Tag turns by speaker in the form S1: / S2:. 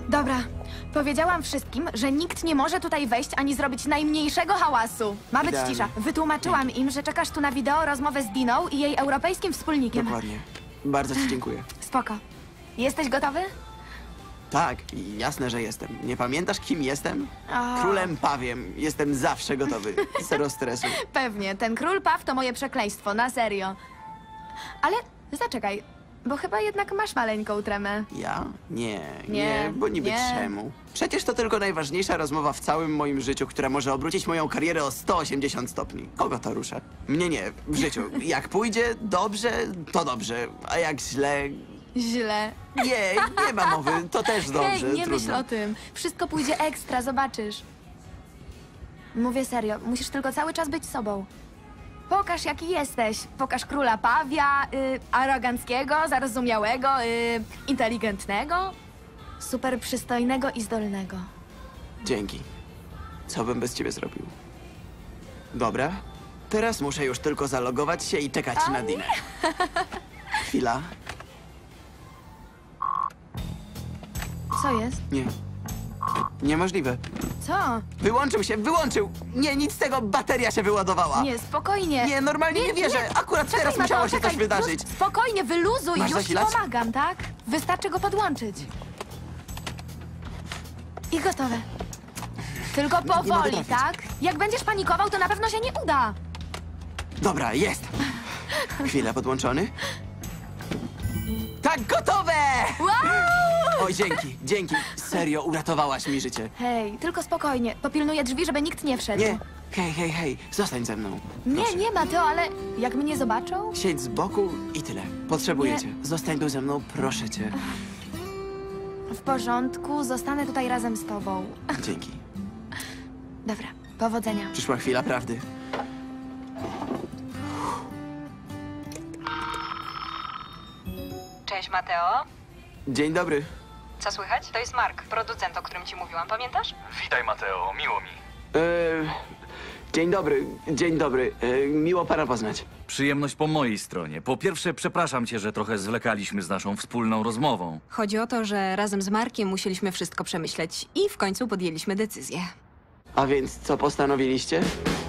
S1: Dobra, powiedziałam wszystkim, że nikt nie może tutaj wejść ani zrobić najmniejszego hałasu. Ma być
S2: Idealnie.
S1: cisza. Wytłumaczyłam im, że czekasz tu na wideo rozmowę z Diną i jej europejskim wspólnikiem.
S2: Dokładnie. Bardzo ci dziękuję.
S1: Spoko. Jesteś gotowy?
S2: Tak, jasne, że jestem. Nie pamiętasz, kim jestem?
S1: O.
S2: Królem Pawiem. Jestem zawsze gotowy. Zero stresu.
S1: Pewnie, ten król Paw to moje przekleństwo, na serio. Ale zaczekaj, bo chyba jednak masz maleńką tremę.
S2: Ja? Nie,
S1: Nie,
S2: bo niby
S1: nie.
S2: czemu? Przecież to tylko najważniejsza rozmowa w całym moim życiu, która może obrócić moją karierę o 180 stopni. Kogo to rusza? Mnie nie, w życiu. Jak pójdzie dobrze, to dobrze, a jak źle...
S1: Źle.
S2: Nie ma mowy, to też dobrze.
S1: Hej, nie
S2: trudno.
S1: myśl o tym. Wszystko pójdzie ekstra, zobaczysz. Mówię serio, musisz tylko cały czas być sobą. Pokaż, jaki jesteś. Pokaż króla Pawia, aroganckiego, zarozumiałego, inteligentnego, super przystojnego i zdolnego.
S2: Dzięki. Co bym bez ciebie zrobił? Dobra, teraz muszę już tylko zalogować się i czekać na Dinę. Chwila.
S1: Co jest?
S2: Nie. Niemożliwe.
S1: Co?
S2: Wyłączył! Nie, nic z tego, bateria się wyładowała.
S1: Nie, spokojnie.
S2: Nie, normalnie nie wierzę. Akurat
S1: Czekaj,
S2: teraz
S1: Mateo,
S2: musiało się
S1: czekaj,
S2: coś wydarzyć.
S1: Już, spokojnie, wyluzuj,
S2: Masz
S1: już ci
S2: zasilać?
S1: pomagam, tak? Wystarczy go podłączyć. I gotowe. Tylko powoli,
S2: mogę trafić.
S1: tak? Jak będziesz panikował, to na pewno się nie uda.
S2: Dobra, jest. Chwila, podłączony. Tak, gotowe!
S1: Wow!
S2: Oj, dzięki. Serio, uratowałaś mi życie.
S1: Hej, tylko spokojnie. Popilnuję drzwi, żeby nikt nie wszedł.
S2: Nie, hej, zostań ze mną.
S1: Nie,
S2: Proszę.
S1: nie, Mateo, ale jak mnie zobaczą?
S2: Siedź z boku i tyle. Potrzebuję
S1: Nie.
S2: cię. Zostań tu ze mną, proszę cię.
S1: W porządku, zostanę tutaj razem z tobą.
S2: Dzięki.
S1: Dobra, powodzenia.
S2: Przyszła chwila prawdy.
S3: Cześć, Mateo.
S2: Dzień dobry.
S3: Co słychać? To jest Mark, producent, o którym ci mówiłam, pamiętasz?
S4: Witaj, Mateo, miło mi.
S2: Dzień dobry. Miło pana poznać.
S4: Przyjemność po mojej stronie. Po pierwsze, przepraszam cię, że trochę zwlekaliśmy z naszą wspólną rozmową.
S5: Chodzi o to, że razem z Markiem musieliśmy wszystko przemyśleć i w końcu podjęliśmy decyzję.
S2: A więc co postanowiliście?